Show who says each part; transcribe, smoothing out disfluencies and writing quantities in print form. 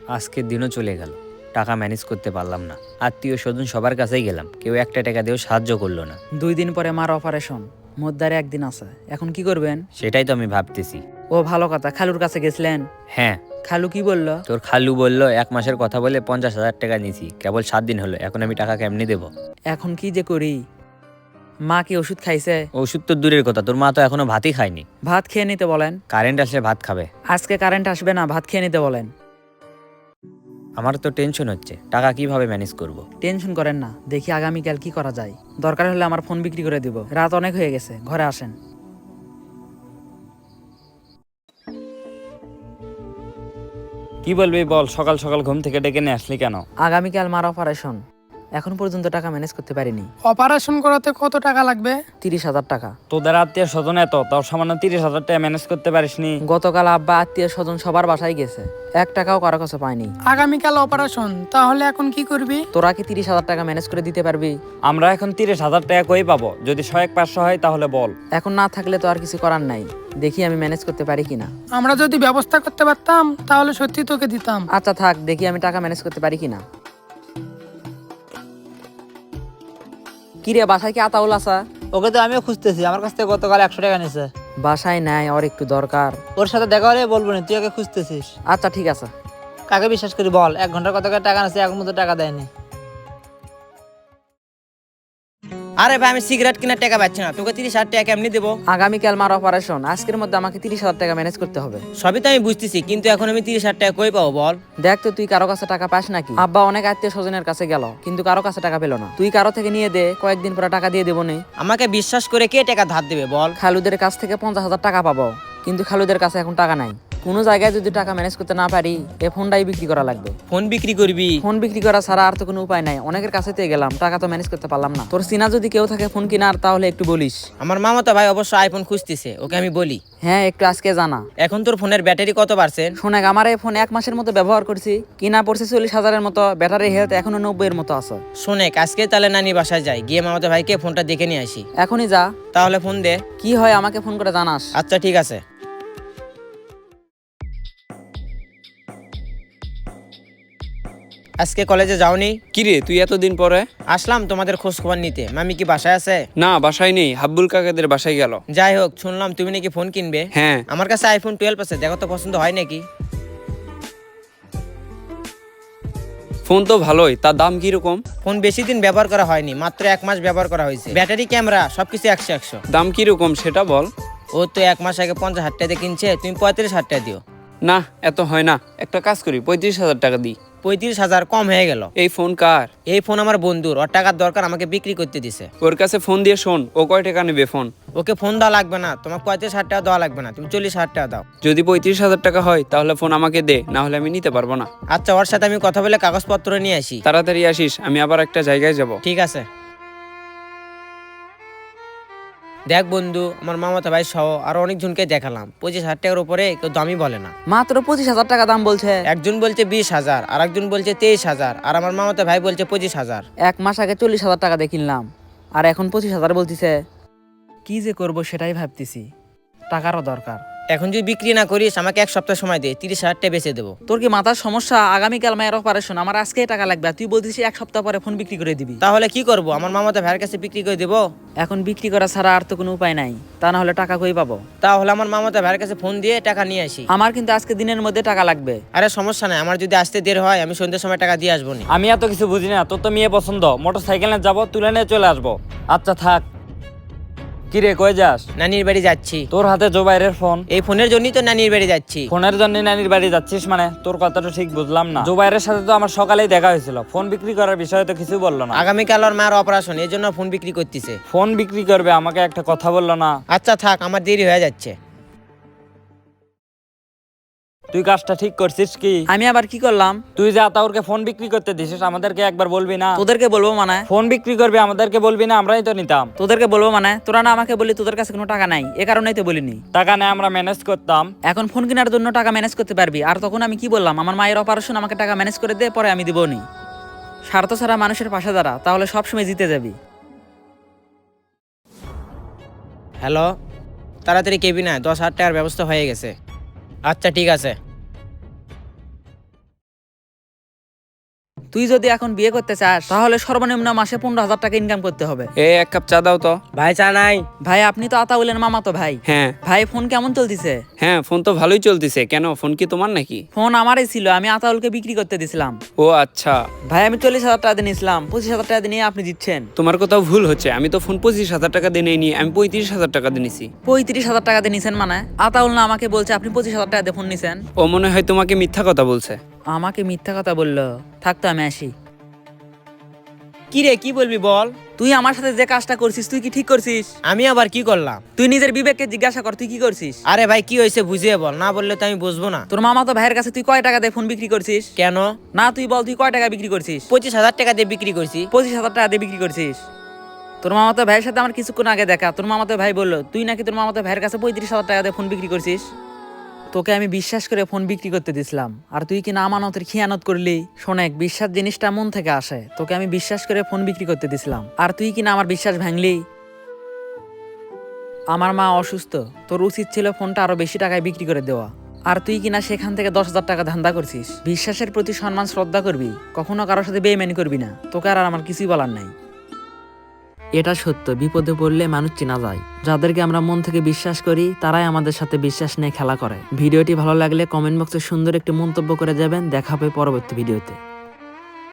Speaker 1: আজকের দিনও চলে গেল, টাকা ম্যানেজ করতে পারলাম না। আত্মীয় স্বজন সবার কাছেই গেলাম, কেউ একটা টাকা দিয়েও সাহায্য করলো না।
Speaker 2: 2 দিন পরে মার অপারেশন, মোদ্দারে 1 দিন আছে। এখন কি করবেন?
Speaker 1: সেটাই তো আমি ভাবতেছি।
Speaker 2: ও ভালো কথা, খালুর কাছে গেছিলেন?
Speaker 1: হ্যাঁ,
Speaker 2: খালু কি বললো?
Speaker 1: তোর খালু বললো 1 মাসের কথা বলে 50,000 টাকা নিয়েছি, কেবল 7 দিন হলো, এখন আমি টাকা কেমনি দেবো?
Speaker 2: এখন কি যে করি? মা কি ওষুধ খাইছে?
Speaker 1: ওষুধ তো দূরের কথা, তোর মা তো এখনো ভাতই খায়নি।
Speaker 2: ভাত খেয়ে নিতে বলেন।
Speaker 1: কারেন্ট আসলে ভাত খাবে।
Speaker 2: আজকে কারেন্ট আসবে না, ভাত খেয়ে নিতে বলেন।
Speaker 1: আমার তো টেনশন হচ্ছে, টাকা কিভাবে ম্যানেজ করব।
Speaker 2: টেনশন করেন না, দেখি আগামীকাল কি করা যায়। দরকার হলে আমার ফোন বিক্রি করে দিব। রাত অনেক হয়ে গেছে, ঘরে আসেন।
Speaker 3: কি বলবি বল, সকাল সকাল ঘুম থেকে ডেকে নিয়ে আসলি কেন?
Speaker 2: আগামীকাল মার অপারেশন, এখন পর্যন্ত টাকা ম্যানেজ করতে পারিনি।
Speaker 4: অপারেশন করাতে কত টাকা লাগবে?
Speaker 2: 30,000 টাকা।
Speaker 3: তোদের আত্মীয় স্বজন এত, তাও সামান্য 30,000 টাকা ম্যানেজ করতে পারিসনি?
Speaker 2: গতকাল আব্বা আত্মীয় স্বজন সবার বাসায় গেছে, 1 টাকাও কারো কাছে পাইনি।
Speaker 4: আগামীকাল অপারেশন, তাহলে এখন কি করবি?
Speaker 2: তোরা কি 30,000 টাকা ম্যানেজ করে দিতে পারবি?
Speaker 3: আমরা এখন 30,000 টাকা কই পাবো? যদি 100-500 হয় তাহলে বল।
Speaker 2: এখন না থাকলে তো আর কিছু করার নাই, দেখি আমি ম্যানেজ করতে পারি কিনা।
Speaker 4: আমরা যদি ব্যবস্থা করতে পারতাম তাহলে সত্যি তোকে দিতাম।
Speaker 2: আচ্ছা থাক, দেখি আমি টাকা ম্যানেজ করতে পারি কিনা। কি রে, বাসায় কি আতাউল আসা?
Speaker 5: ওকে তো আমিও খুঁজতেছি, আমার কাছ থেকে গতকাল 100 টাকা নিছে।
Speaker 2: বাসায় নাই, ওর একটু দরকার।
Speaker 5: ওর সাথে দেখা হলে বলবো না, তুই ওকে খুঁজতেছিস।
Speaker 2: আচ্ছা ঠিক আছে।
Speaker 5: কাকে বিশ্বাস করি বল? 1 ঘন্টার কত করে টাকা নিছে, এখন মতো টাকা দেয়নি।
Speaker 6: আরে ভাই, আমি সিগারেট কেনার টাকা পাচ্ছি না, তোকে 30,000 টাকা কেমনি দেবো?
Speaker 2: আগামীকাল মার অপারেশন, আজকের মধ্যে আমাকে 30,000 টাকা ম্যানেজ করতে হবে।
Speaker 6: সবই তো আমি বুঝতেছি, কিন্তু এখন আমি 30,000 টাকা কই পাবো বল?
Speaker 2: দেখ তো তুই কারো কাছে টাকা পাস নাকি? আব্বা অনেক আত্মীয় স্বজনের কাছে গেল, কিন্তু কারো কাছে টাকা পেল না। তুই কারো থেকে নিয়ে দে, কয়েকদিন পরে টাকা দিয়ে দেবো নে।
Speaker 6: আমাকে বিশ্বাস করে কে টাকা ধার দেবে বল?
Speaker 2: খালুদের কাছ থেকে 50,000 টাকা পাবো, কিন্তু খালুদের কাছে এখন টাকা নাই। কোনো জায়গায় যদি টাকা ম্যানেজ করতে না পারি, এই ফোনটাই বিক্রি করা লাগবে।
Speaker 6: ফোন বিক্রি করবি?
Speaker 2: ফোন বিক্রি করা ছাড়া আর তো কোনো উপায় নাই। অনেকের কাছে তো গেলাম, টাকা তো ম্যানেজ করতে পারলাম না। তোর চিনা যদি কেউ থাকে ফোন কিনার, তাহলে একটু বলিস।
Speaker 6: আমার মামাতো ভাই অবশ্য আইফোন খুঁজতেছে, ওকে আমি বলি।
Speaker 2: হ্যাঁ, একটু আজকে জানা।
Speaker 6: এখন তোর ফোনের ব্যাটারি কত পার্সেন্ট?
Speaker 2: শোনেক, আমার এই ফোন 1 মাসের মতো ব্যবহার করছি, কিনা পড়ছে 40,000-এর মতো। ব্যাটারি হেলথ এখনো 90-এর মতো আছে।
Speaker 6: শোনেক, আজকে তাহলে নানি বাসায় যাই, গিয়ে মামাতো ভাইকে ফোনটা দেখে নিয়ে আসি।
Speaker 2: এখনই যা।
Speaker 6: তাহলে ফোন দে।
Speaker 2: কি হয় আমাকে ফোন করে জানাস।
Speaker 6: আচ্ছা ঠিক আছে। আজকে কলেজে যাওনি?
Speaker 7: কিরে তুই এতদিন পরে?
Speaker 6: আসলাম তোমাদের খোঁজ খবর নিতে। মামি কি বাসায় আছে?
Speaker 7: না, বাসায় নেই, হাব্বুল কাকাদের বাসায় গেল।
Speaker 6: যাই হোক, শুনলাম তুমি নাকি ফোন কিনবে।
Speaker 7: হ্যাঁ।
Speaker 6: আমার কাছে আইফোন 12 আছে, দেখো তো পছন্দ হয় নাকি।
Speaker 7: ফোন তো ভালোই, তার দাম কিরকম?
Speaker 6: ফোন বেশি দিন ব্যবহার করা হয়নি, মাত্র 1 মাস ব্যবহার করা হয়েছে। ব্যাটারি, ক্যামেরা সবকিছু 100-100।
Speaker 7: দাম কিরকম সেটা বল।
Speaker 6: ও তো 1 মাস আগে 50,000 টাকা দিয়ে কিনছে, তুমি 35,000 টাকা দিও।
Speaker 7: না, এত হয় না, একটা কাজ করি, 35,000 টাকা দিই।
Speaker 6: 35,000 কম হয়ে গেল।
Speaker 7: এই ফোন কার?
Speaker 6: এই ফোন আমার বন্ধুর, ওর টাকার দরকার, আমাকে বিক্রি করতে দিছে।
Speaker 7: ওর কাছে ফোন দিয়ে শোন, ও কয় টাকা নেবে ফোন।
Speaker 6: ওকে ফোন দেওয়া লাগবে না, তোমার 35,000 টাকা দেওয়া লাগবে না, তুমি 40,000 টাকা দাও।
Speaker 7: যদি 35,000 টাকা হয় তাহলে ফোন আমাকে দে, না হলে আমি নিতে পারবো না।
Speaker 6: আচ্ছা, ওর সাথে আমি কথা বলে কাগজপত্র নিয়ে আসি।
Speaker 7: তাড়াতাড়ি আসিস, আমি আবার একটা জায়গায় যাব।
Speaker 6: ঠিক আছে। দেখ বন্ধু, আমার মামাতো ভাই সহ আরো অনেকজনকে দেখালাম, 25,000 টাকার উপরে কেউ দামই বলে না।
Speaker 2: মাত্র 25,000 টাকা দাম বলছে।
Speaker 6: একজন বলছে 20,000, আর একজন বলছে 23,000, আর আমার মামাতো ভাই বলছে 25,000।
Speaker 2: 1 মাস আগে 40,000 টাকা দিয়ে কিনলাম, আর এখন 25,000 বলতিছে। কি যে করব সেটাই ভাবতেছি, টাকারও দরকার।
Speaker 6: এখন যদি বিক্রি না করিস, আমাকে 1 সপ্তাহ সময় দে, 30,000 টাকা বেচে দেবো।
Speaker 2: তোর কি মাথার সমস্যা? আগামীকাল মায়ের অপারেশন, আমার আজকেই টাকা লাগবে, আর তুই বলতিস 1 সপ্তাহ পরে ফোন বিক্রি করে দিবি।
Speaker 6: তাহলে কি করব? আমার মামাতো ভাইয়ের কাছে বিক্রি করে দেবো?
Speaker 2: এখন বিক্রি করা ছাড়া আর তো কোনো উপায় নাই, তা না হলে টাকা কই পাবো?
Speaker 6: তাহলে আমার মামাতো ভাইয়ের কাছে ফোন দিয়ে টাকা নিয়ে আসি।
Speaker 2: আমার কিন্তু আজকে দিনের মধ্যে টাকা লাগবে।
Speaker 6: আরে সমস্যা নাই, আমার যদি আসতে দেরি হয় আমি সন্ধ্যের সময় টাকা দিয়ে আসবো নি।
Speaker 3: আমি এত কিছু বুঝি না, তোর তো মেয়ে পছন্দ, মোটর সাইকেলে যাবো, তুলে নিয়ে চলে আসবো। আচ্ছা থাক। কিরে কই যাস?
Speaker 6: নানির বাড়ি যাচ্ছি।
Speaker 3: তোর হাতে জোবাইরের ফোন?
Speaker 6: এই ফোনের জন্যই তো নানির বাড়ি যাচ্ছি।
Speaker 3: ফোনের জন্য নানির বাড়ি যাচ্ছিস মানে? তোর কথাটা ঠিক বুঝলাম না। জোবাইরের সাথে তো আমার সকালেই দেখা হয়েছিল, ফোন বিক্রি করার বিষয়ে তো কিছু বললো না।
Speaker 6: আগামীকাল ওর মার অপারেশন, এই জন্য ফোন বিক্রি করতেছে।
Speaker 3: ফোন বিক্রি করবে, আমাকে একটা কথা বললো না।
Speaker 6: আচ্ছা থাক, আমার দেরি হয়ে যাচ্ছে।
Speaker 3: তুই কাজটা ঠিক করছিস কি?
Speaker 2: আমি আবার কি করলাম?
Speaker 3: তুই যে আতাউরকে ফোন বিক্রি করতে দিছিস, আমাদেরকে একবার বলবি না?
Speaker 2: তোদেরকে বলবো মানে?
Speaker 3: ফোন বিক্রি করবি, আমাদেরকে বলবি না? আমরাই তো নিতাম।
Speaker 2: তোদেরকে বলবো মানে? তোরা না আমাকে বলি তোদের কাছে কোনো টাকা নাই, এ কারণেই তো বলিনি।
Speaker 3: টাকা নেই, আমরা ম্যানেজ করতাম।
Speaker 2: এখন ফোন কেনার জন্য টাকা ম্যানেজ করতে পারবি, আর তখন আমি কি বললাম? আমার মায়ের অপারেশন, আমাকে টাকা ম্যানেজ করে দে, পরে আমি দিবনি। স্বার্থ ছাড়া মানুষের পাশে দাঁড়া, তাহলে সবসময় জিতে যাবি।
Speaker 6: হ্যালো, তাড়াতাড়ি কেবিনে 10,000 টাকার ব্যবস্থা হয়ে গেছে। আচ্ছা ঠিক আছে।
Speaker 2: তুই যদি এখন বিয়ে করতে চাস তাহলে সর্বনিম্ন মাসে 15,000 টাকা ইনকাম করতে হবে।
Speaker 7: এক কাপ চা দাও তো।
Speaker 6: ভাই চা নাই?
Speaker 2: ভাই আপনি তো আতাউলের মামা তো ভাই।
Speaker 7: হ্যাঁ
Speaker 2: ভাই ফোন কেমন চলতেছে?
Speaker 7: হ্যাঁ, ফোন তো ভালোই চলতেছে। কেন, ফোন কি তোমার নাকি?
Speaker 2: ফোন আমারই ছিল, আমি আতাউলকে বিক্রি করতে দিছিলাম।
Speaker 7: ও আচ্ছা,
Speaker 2: ভাই আমি 40,000 টাকা দিয়ে নিয়েছিলাম, 25,000 টাকা দিয়ে নিয়ে আপনি দিচ্ছেন।
Speaker 7: তোমার কোথাও ভুল হচ্ছে। আমি তো ফোন 25,000 টাকা দিয়ে নিই, আমি 35,000 টাকা দিয়ে নিছি।
Speaker 2: 35,000 টাকা দিয়ে নিছেন মানে? আতাউল না আমাকে বলছে আপনি 25,000 টাকা দিয়ে ফোন নিছেন।
Speaker 7: ও মনে হয় তোমাকে মিথ্যা কথা বলছে।
Speaker 2: আমাকে মিথ্যা কথা বললো? থাকতো আমি আসি।
Speaker 6: কি রে, কি বলবি বল?
Speaker 2: তুই আমার সাথে যে কাজটা করছিস তুই কি ঠিক করছিস?
Speaker 6: আমি আবার কি করলাম?
Speaker 2: তুই নিজের বিবেককে জিজ্ঞাসা কর তুই কি করছিস।
Speaker 6: আরে ভাই কি হয়েছে বুঝিয়ে বল, না বললে তো আমি বুঝবো না।
Speaker 2: তোর মামা তো ভাইয়ের কাছে তুই কয় টাকা দিয়ে ফোন বিক্রি করছিস?
Speaker 6: কেন?
Speaker 2: না তুই বল তুই কয় টাকা বিক্রি করছিস?
Speaker 6: 25,000 টাকা দিয়ে বিক্রি করছি।
Speaker 2: 25,000 টাকা দিয়ে বিক্রি করছিস। তোর মামাতো ভাইয়ের সাথে আমার কিছুক্ষণ আগে দেখা, তোর মামাতো ভাই বললো তুই নাকি তোর মামাতো ভাইয়ের কাছে 35,000 টাকা দিয়ে ফোন বিক্রি করছিস। তোকে আমি বিশ্বাস করে ফোন বিক্রি করতে দিছিলাম, আর তুই কি না আমানতের খিয়ানত করলি। শোনেক, বিশ্বাস জিনিসটা মন থেকে আসে। তোকে আমি বিশ্বাস করে ফোন বিক্রি করতে দিছিলাম, আর তুই কি না আমার বিশ্বাস ভাঙলি। আমার মা অসুস্থ, তোর উচিত ছিল ফোনটা আরো বেশি টাকায় বিক্রি করে দেওয়া, আর তুই কিনা সেখান থেকে 10,000 টাকা ধান্দা করছিস। বিশ্বাসের প্রতি সম্মান শ্রদ্ধা করবি, কখনো কারোর সাথে বেইমানি করবি না। তোকে আর আমার কিছুই বলার নাই। এটা সত্য, বিপদে পড়লে মানুষ চেনা যায়। যাদেরকে আমরা মন থেকে বিশ্বাস করি তারাই আমাদের সাথে বিশ্বাস নিয়ে খেলা করে। ভিডিওটি ভালো লাগলে কমেন্ট বক্সে সুন্দর একটি মন্তব্য করে যাবেন। দেখা হবে পরবর্তী ভিডিওতে।